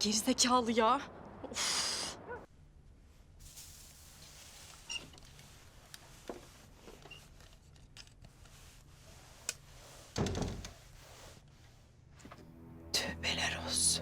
Gerizekalı ya. Of. Tövbeler olsun.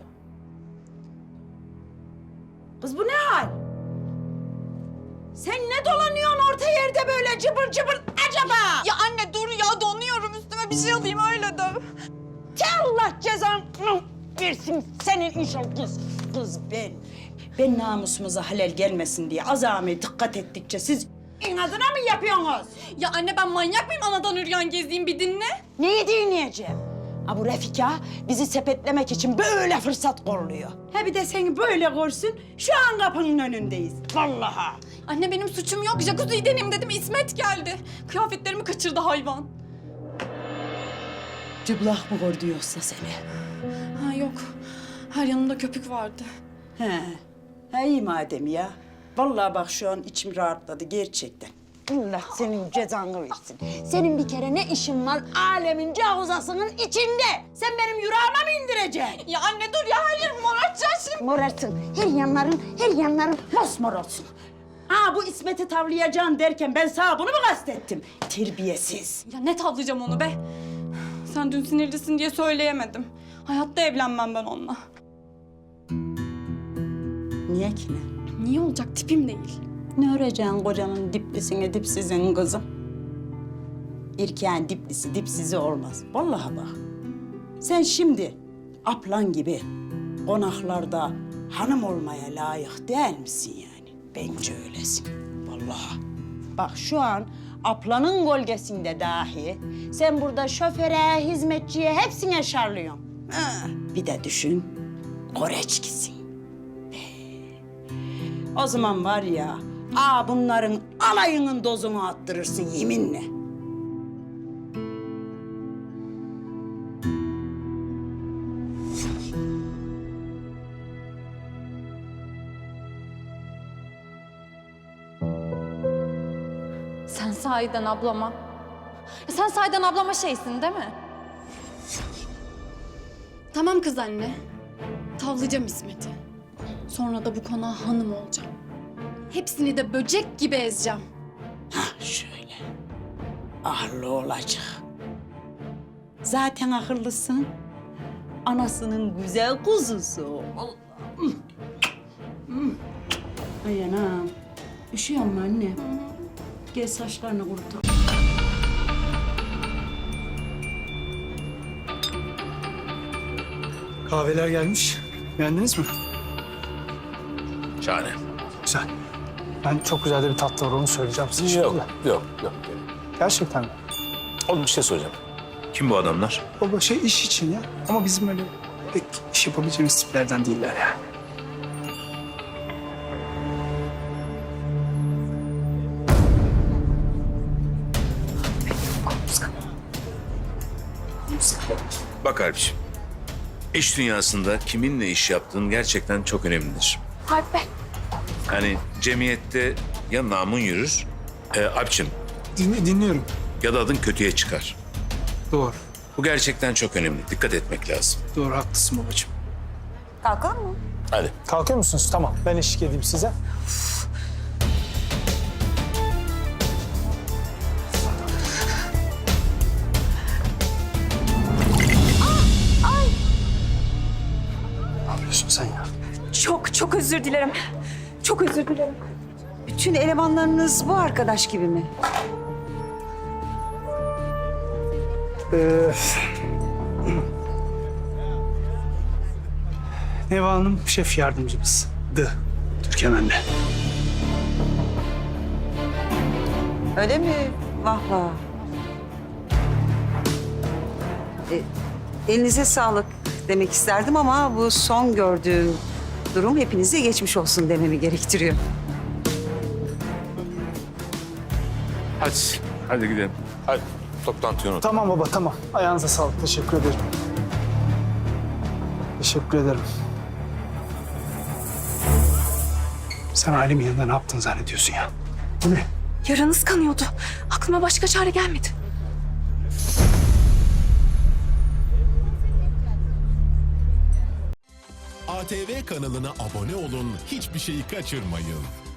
Kız bu ne hal? Sen ne dolanıyorsun orta yerde böyle cıbır cıbır acaba? Ya anne dur ya, donuyorum, üstüme bir şey alayım öyle döv. Allah cezanı versin senin inşallah kız ben. Ben namusumuza halel gelmesin diye azami dikkat ettikçe siz inadına mı yapıyorsunuz? Ya anne ben manyak mıyım, anadan üryan gezeyim, bir dinle. Neyi dinleyeceğim? Ha bu Refika bizi sepetlemek için böyle fırsat kolluyor. Ha bir de seni böyle görsün, şu an kapının önündeyiz. Vallahi. Anne benim suçum yok, jacuzziyi deneyim dedim, İsmet geldi. Kıyafetlerimi kaçırdı hayvan. Cıblak mı gördü yoksa seni? Ha yok, her yanımda köpük vardı. He iyi madem ya. Vallahi bak şu an içim rahatladı gerçekten. Allah senin cezanı versin. Senin bir kere ne işin var alemin cavuzasının içinde? Sen benim yüreğime mi indireceksin? Ya anne dur ya, her yerimi morartacaksın şimdi. Morartın. Her yanların mosmor olsun. Ha bu İsmet'i tavlayacaksın derken ben sana bunu mu kastettim? Terbiyesiz. Ya ne tavlayacağım onu be? Sen dün sinirlisin diye söyleyemedim. Hayatta evlenmem ben onunla. Niye ki ne? Niye olacak, tipim değil. Ne öreceksin kocanın diplisine dipsizin kızım? İrkeğin diplisi dipsizi olmaz. Vallahi bak. Sen şimdi aplan gibi konaklarda hanım olmaya layık değil misin yani? Bence öylesin. Vallahi. Bak şu an aplanın gölgesinde dahi sen burada şoföre, hizmetçiye hepsine şarlıyorsun. Ha, bir de düşün, koreçkisin. O zaman var ya, bunların alayının dozunu attırırsın yeminle. Sen sahiden ablama... Sen sahiden ablama şeysin değil mi? Tamam kız anne. Tavlayacağım İsmet'i. Sonra da bu konağa hanım olacağım. Hepsini de böcek gibi ezeceğim. Hah şöyle. Ahırlı olacak. Zaten akıllısın. Anasının güzel kuzusu. Allah'ım. Ay anam. Üşüyor mu anne? Gel saçlarını kurutalım. Kahveler gelmiş. Beğendiniz mi? Şahane. Güzel. Ben çok güzel de bir tatlı var, onu söyleyeceğim size Yok, şimdi. yok. Gerçekten mi? Oğlum bir şey soracağım. Kim bu adamlar? Baba iş için ya. Ama bizim öyle pek iş yapabileceğimiz tiplerden değiller yani. Bak Alpciğim. İş dünyasında kiminle iş yaptığın gerçekten çok önemlidir. Harp be. Hani cemiyette ya namun yürür, Alpciğim, Dinliyorum. ya da adın kötüye çıkar. Doğru. Bu gerçekten çok önemli. Dikkat etmek lazım. Doğru, haklısın babacığım. Kalkalım mı? Hadi. Kalkıyor musunuz? Tamam. Ben eşlik edeyim size. Ne yapıyorsun sen ya? Çok özür dilerim. Çok özür dilerim. Bütün elemanlarınız bu arkadaş gibi mi? Neva Hanım şef yardımcımız. Türkan anne. Öyle mi? Vah vah. Elinize sağlık demek isterdim ama bu son gördüğüm durum hepinize geçmiş olsun dememi gerektiriyor. Hadi gidelim. Hadi. Toplantıyı unut. Tamam baba, tamam. Ayağınıza sağlık. Teşekkür ederim. Teşekkür ederim. Sen ailemin yanında ne yaptın zannediyorsun ya? Bu ne? Yaranız kanıyordu. Aklıma başka çare gelmedi. ATV kanalına abone olun, hiçbir şeyi kaçırmayın.